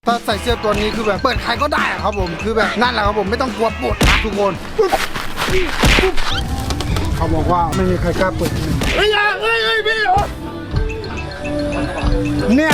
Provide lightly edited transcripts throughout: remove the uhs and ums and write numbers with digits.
ถ้าใส่เสื้อตัวนี้คือแบบเปิดใครก็ได้ครับผมคือแบบนั่นแหละครับผมไม่ต้องกลัวปวดนะทุกคนเขาบอกว่าไม่มีใครกล้าเปิดเฮ้ยพี่เนี่ย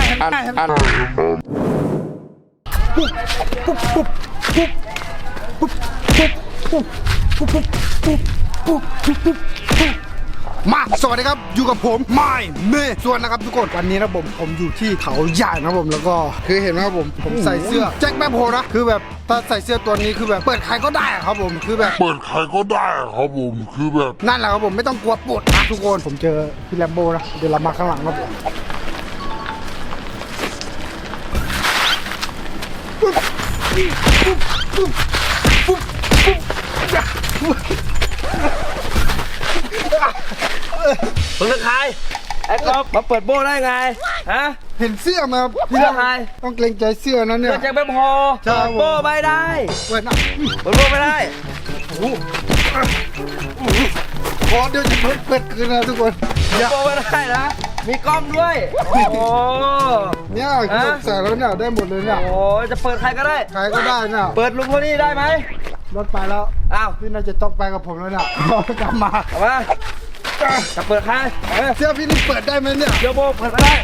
มาสวัสดีครับอยู่กับผมไม่เมย์ส่วนนะครับทุกคนวันนี้นะผมอยู่ที่เขาใหญ่นะผมแล้วก็คือเห็นไหมครับผมใส่เสื้อแจ็คแมคโฮนะคือแบบถ้าใส่เสื้อตัวนี้คือแบบเปิดใครก็ได้ครับผมคือแบบเปิดใครก็ได้ครับผมคือแบบนั่นแหละครับผมไม่ต้องกลัวปวดนะทุกคนผมเจอพี่แลมโบนะเดี๋ยวเรามาข้างหลังครับผมมึงเป็นใครไอ้ก๊อฟมาเปิดโบ้ได้ไงฮะเห็นเสื้อมาเสื้อใครต้องเกรงใจเสื้อนั้นเนี่ยเสื้อแจ็คแป๊บพอใช่เปิดโบ้ไม่ได้เปิดนะเปิดโบ้ไม่ได้ขอเดี๋ยวจะเปิดคืนนะทุกคนเปิดโบ้ไม่ได้นะมีกล้องด้วยโอ้เนี่ยใส่แล้วเนี่ยได้หมดเลยเนี่ยโหจะเปิดใครก็ได้ใครก็ได้เนี่ยเปิดลุงคนนี้ได้ไหมรถไปแล้วอ้าวพี่น่าจะต้องไปกับผมแล้วเนี่ยกลับมาเอามาจะเปิดใครเออเสื้อพี่นี่เปิดได้ไหมเนี่ยเดี๋ยวโบ้เปิดไม่ได้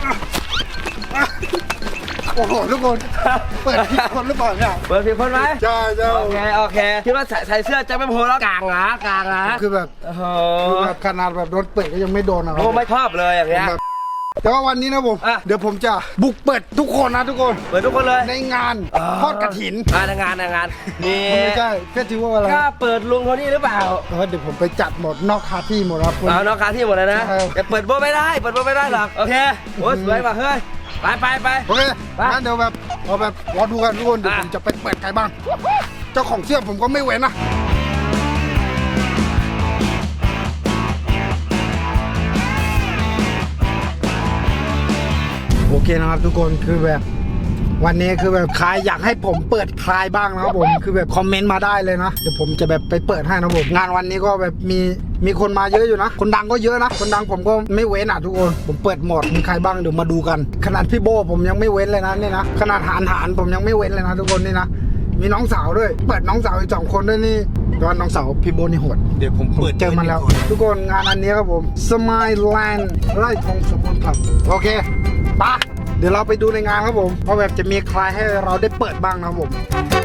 โอ้โหทุกคนเปิดผิดคนหรือเปล่าเนี่ยเปิดผิดคนไหมใช่ใช่โอเคคิดว่าใส่เสื้อแจ็คแป๊บพอแล้วกางนะคือแบบโอ้โหขนาดแบบโดนเปิดก็ยังไม่โดนนะครัโบ้ไม่ชอบเลยอย่างเงี้ยแต่ว่าวันนี้นะผมอ่ะเดี๋ยวผมจะบุกเปิดทุกคนนะทุกคนเปิดทุกคนเลยในงานทอดกระถินในงานมีไม่ใช่เฟสติวัลอะไรกล้าเปิดลุงคนนี้หรือเปล่าเดี๋ยวผมไปจัดหมดนอกคาที่หมดครับคุณเอานอกคาที่หมดเลยนะเออแต่เปิดโบ้ไม่ได้หรอกโอเคโอ้สวยว่ะเฮ้ยไปโอเคงั้นเดี๋ยวแบบเอาแบบรอดูกันทุกคนเดี๋ยวผมจะไปเปิดใครบ้าง เจ้าของเสื้อผมก็ไม่เว้นนะโอเคนะครับทุกคนคือแบบวันนี้คือแบบใครอยากให้ผมเปิดคลายบ้างนะครับผมคือแบบคอมเมนต์มาได้เลยนะเดี๋ยวผมจะแบบไปเปิดให้นะผมงานวันนี้ก็แบบมีคนมาเยอะอยู่นะคนดังก็เยอะนะคนดังผมก็ไม่เว้นอ่ะทุกคนผมเปิดหมดมีใครบ้างเดี๋ยวมาดูกันขนาดพี่โบผมยังไม่เว้นเลยนะนี่นะขนาดหานผมยังไม่เว้นเลยนะทุกคนนี่นะมีน้องสาวด้วยเปิดน้องสาวอีก2 คนด้วยนี่แต่ว่าน้องสาวพี่โบนี่โหดเดี๋ยวผมเปิดเจอมันแล้วทุกคนงานอันนี้ครับผมสมายแลนด์ไร่ทองสมบูรณ์ครับโอเคปะเดี๋ยวเราไปดูในงานครับผมเพราะแบบจะมีใครให้เราได้เปิดบ้างนะครับผม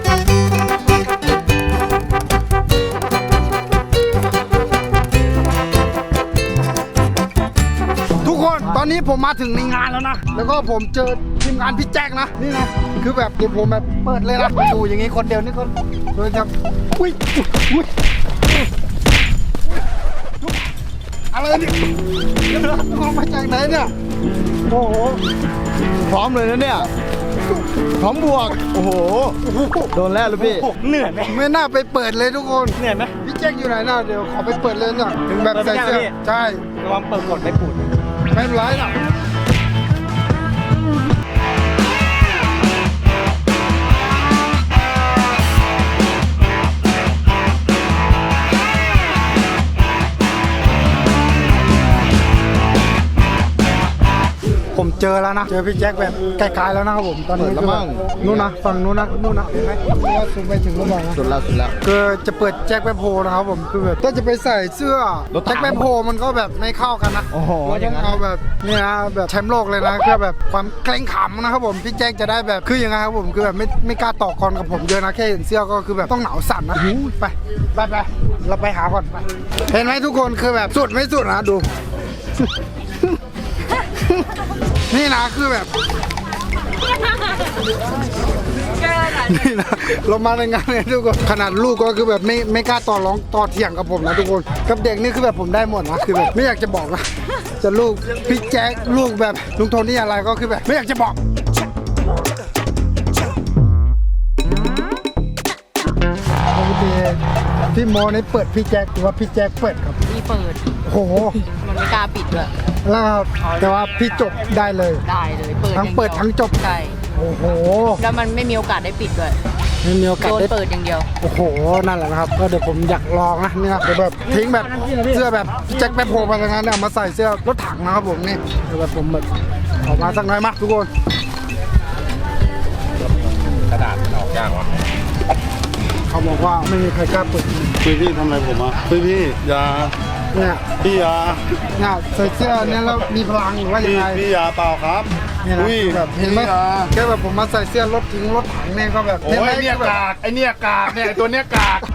ทุกคนตอนนี้ผมมาถึงในงานแล้วนะแล้วก็ผมเจอทีมงานพี่แจ็คนะนี่นะคือแบบเดี๋ยวผมแบบเปิดเลยนะดูอย่างงี้คนเดียวนี่คนเลยครับอุ้ยอะไรเนี่ยออกมาจากไหนเนี่ยโอ้โหพร้อมเลยนะเนี่ยพร้อมบวกโอ้โหโดนแล้วหรือพี่เหนื่อยไหมไม่น่าไปเปิดเลยทุกคนเหนื่อยไหมพี่แจ็คอยู่ไหนน่ะเดี๋ยวขอไปเปิดเลยน่ะถึงแบบใส่เสื้อใช่ระวังเปิดกดไม่ปูดไม่เป็นไรน่ะผมเจอแล้วนะเจอพี่แจ็คแบบไกลๆแล้วนะครับผมตอนนี้คือแบบนู่นนะฝั่งนู้นนะนู่นนะเห็นไหมว่าสูงไปถึงหรือเปล่านะสุดแล้วคือจะเปิดแจ็คแป๊บโพนะครับผมคือแบบถ้าจะไปใส่เสื้อแจ็คแป๊บโพมันก็แบบไม่เข้ากันนะเราต้องเอาแบบนี่นะแบบแชมป์โลกเลยนะคือแบบความเกรงขำนะครับผมพี่แจ็คจะได้แบบคือยังไงครับผมคือแบบไม่กล้าต่อกรกับผมเยอะนะแค่เห็นเสื้อก็คือแบบต้องหนาวสั่นนะไปเราไปหาก่อนไปเห็นไหมทุกคนคือแบบสุดไม่สุดนะดู นี่นะคือแบบนี่นะเรามาในงานเนี่ยทุกคนขนาดลูกก็คือแบบไม่กล้าต่อร้องต่อเถียงกับผมนะทุกคนกับเด็กนี่คือแบบผมได้หมดนะคือแบบไม่อยากจะบอกนะจะลูกพี่แจ๊คลูกแบบลุงโทนี่อะไรก็คือแบบไม่อยากจะบอกปกติพี่โมนี่เปิดพี่แจ๊คหรือว่าพี่แจ๊คเปิดครับพี่เปิดโอ้โหมันไม่กล้าปิดเลยแล้วแต่ว่าพี่จบได้เลยได้เลยเปิดทั้งเปิดทั้งจบใช่โอ้โหแล้วมันไม่มีโอกาสได้ปิดด้วยไม่มีโอกาสโดนได้เปิดอย่างเดียวโอ้โหนั่นแหละนะครับก็เดี๋ยวผมอยากลองนะเนี่ยเดี๋ยวแบบทิ้งแบบเสื้อแบบแจ็คแป๊บโพไปอย่างนั้นเนี่ยมาใส่เสื้อรถถังนะครับผมนี่เดี๋ยวแบบผมแบบออกมาสักหน่อยมาทุกคนยากวะเขาบอกว่าไม่มีใครกล้าเปิดพี่ทำอะไรผมอ่ะพี่อย่าเนี่ยพี่อย่าเนี่ยใส่เสื้อเนี่ยแล้วมีพลังหรือว่ายังไงพี่อย่าเปล่าครับเนี่ยนะอุ้ยแบบเห็นไหมพี่อย่าแค่แบบผมมาใส่เสื้อรถถึงรถถังเนี่ยก็แบบโอ้ยเนี่ยกากไอเนี่ยกากเนี่ยไอตัวเนี้ยกาก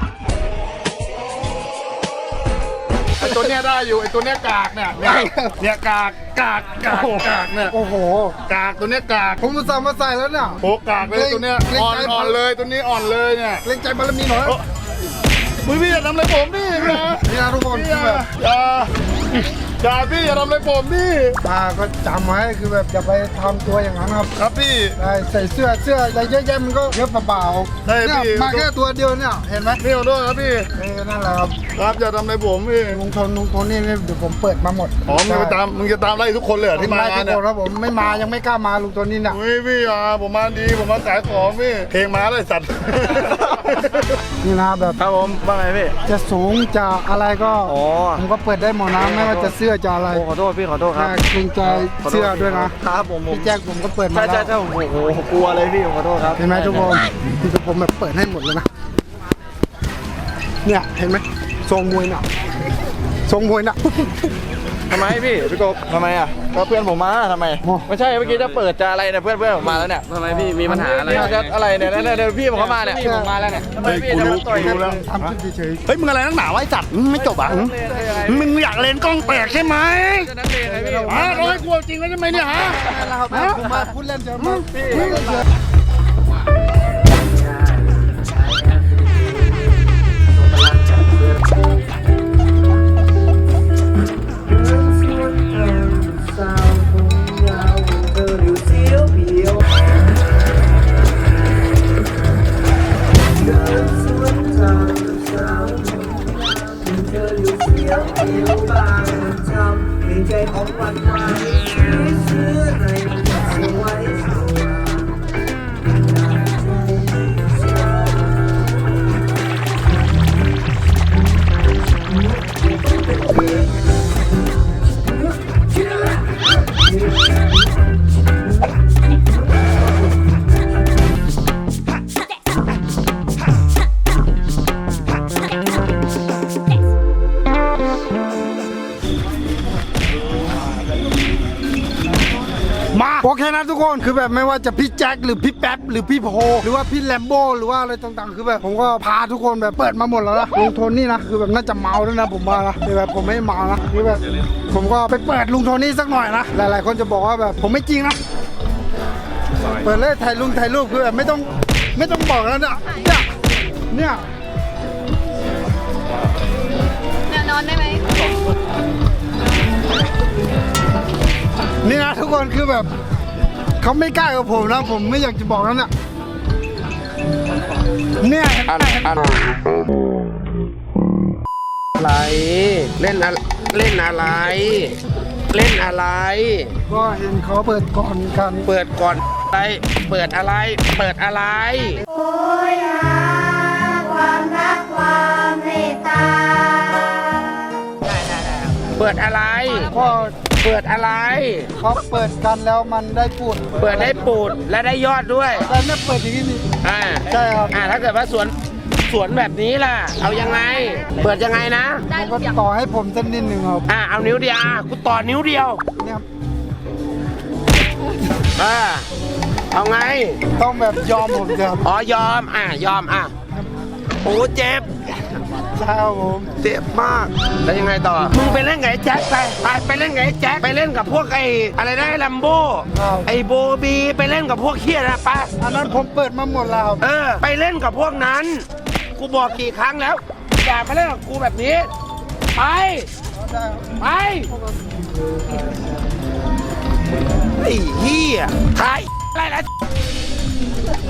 ไอตัวเนี้ยได้อยู่ไอตัวเนี้ยกากเนี่ยกากเนี่ยโอ้โหกากตัวเนี้ยกากผมอุตส่าห์มาใส่แล้วเนี่ยโอ้กากเลยตัวเนี้ยอ่อนเลยตัวนี้อ่อนเลยเนี่ยเล่นใจบารมีหน่อยพี่อย่าทำอะไรผมพี่นะนี่นะทุกคนพี่คือแบบอย่าพี่อย่าทำอะไรผมพี่ตาก็จำไว้คือแบบอย่าไปทำตัวอย่างนั้นครับครับพี่ใส่เสื้ออะไรเยอะแยะมันก็เยอะเปล่าๆได้เนี่ยพี่มาแค่ตัวเดียวเนี่ยเห็นไหมพี่ขอโทษครับพี่นั่นแหละครับครับอย่าทำอะไรผมพี่ลุงทนนี่เดี๋ยวผมเปิดมาหมดอ๋อมึงจะตามไล่ทุกคนเลยเหรอที่มาไล่ทุกเนี่ยคนครับผมไม่มายังไม่กล้ามาลุงทนนี่เนี่ยอุ้ยพี่ผมมาดีผมมาขายของพี่เพลงมาเลยสัตว์นี่นะแบบครับผมว่าไงพี่จะสูงจะอะไรก็อ๋อผมก็เปิดได้หมดนะไม่ว่าจะเสื้อจะอะไรโอ้ขอโทษพี่ขอโทษครับเกรงใจเสื้อด้วยนะครับผมพี่แจ็คผมก็เปิดมาใช่แล้วโอ้โหกลัวเลยพี่ขอโทษครับเห็นไหมทุกคนที่ผมแบบเปิดให้หมดเลยนะเนี่ยเห็นไหมทรงมวยน่ะทรงมวยน่ะทำไมพี่กบทำไมอ่ะก็เพื่อนผมมาทำไมโอ้ไม่ใช่เมื่อกี้จะเปิดจะอะไรเนี่ยเพื่อนผมมาแล้วเนี่ยทำไมพี่มีปัญหาอะไรจะอะไรเนี่ยเนี่ยพี่ผมเข้ามาเนี่ยพี่ผมมาแล้วเนี่ยทำไมพี่จะมาต่อยกันทำขึ้นเฉยเฮ้ยมึงอะไรนักหนาไว้สัตว์ไม่จบอ่ะมึงอยากเล่นกล้องแตกใช่ไหมจะนักเลงไงพี่ฮะเราให้กลัวจริงแล้วใช่ไหมเนี่ยฮะๆนะครับผมมาพูดเล่นเฉยมั้ง มาโอเคนะทุกคนคือแบบไม่ว่าจะพี่แจ็คหรือพี่แป๊บหรือพี่โพหรือว่าพี่แลมโบ้หรือว่าอะไรต่างๆคือแบบผมก็พาทุกคนแบบเปิดมาหมดแล้วนะลุงโทนี่นะคือแบบน่าจะเมาด้วยนะผมว่านะคือแบบผมไม่เมานะคือแบบผมก็ไปเปิดลุงโทนี่สักหน่อยนะหลายๆคนจะบอกว่าแบบผมไม่จริงนะเปิดเลยถ่ายรูปคือแบบไม่ต้องบอกแล้วเนี่ยเนี่ยแนวนอนได้ไหมนี่นะทุกคนคือแบบเขาไม่กล้ากับผมนะผมไม่อยากจะบอกแล้วเนี่ยเนี่ยเห็นไหมอะไรเล่นอะไรเล่นอะไรเล่นอะไรก็เห็นเขาเปิดก่อนกันเปิดก่อนอะไรเปิดอะไรเปิดอะไรโอ้ยหาความรักความเมตตาเปิดอะไรก็เปิดอะไรเขาเปิดกันแล้วมันได้พูดเปิดได้ปูดและได้ยอดด้วยแต่เนี่ยเปิดอย่างนี้นี่อ่าใช่ครับถ้าเกิดว่าสวนแบบนี้ล่ะ เอายังไง เปิดยังไงนะมันก็ต่อให้ผมเส้นนิดหนึ่งครับเอานิ้วเดียวกูต่อนิ้วเดียวเนี่ยเอาไงต้องแบบยอมผมจะครับอ๋อยอมยอมโอ้เจ็บใช่ครับผมเจ็บมากแล้วยังไงต่อมึงไปเล่นกับไอ้แจ็คไปเล่นกับไอ้แจ็คไปเล่นกับพวกไอ้อะไรนะไอ้ลัมโบไอ้โบบีไปเล่นกับพวกเคียนะไปอันนั้นผมเปิดมาหมดแล้วครับไปเล่นกับพวกนั้น กูบอกกี่ครั้งแล้ว อย่ามาเล่นกับกูแบบนี้ ไป ไปไอ้เหี้ยทายอะไรล่ะ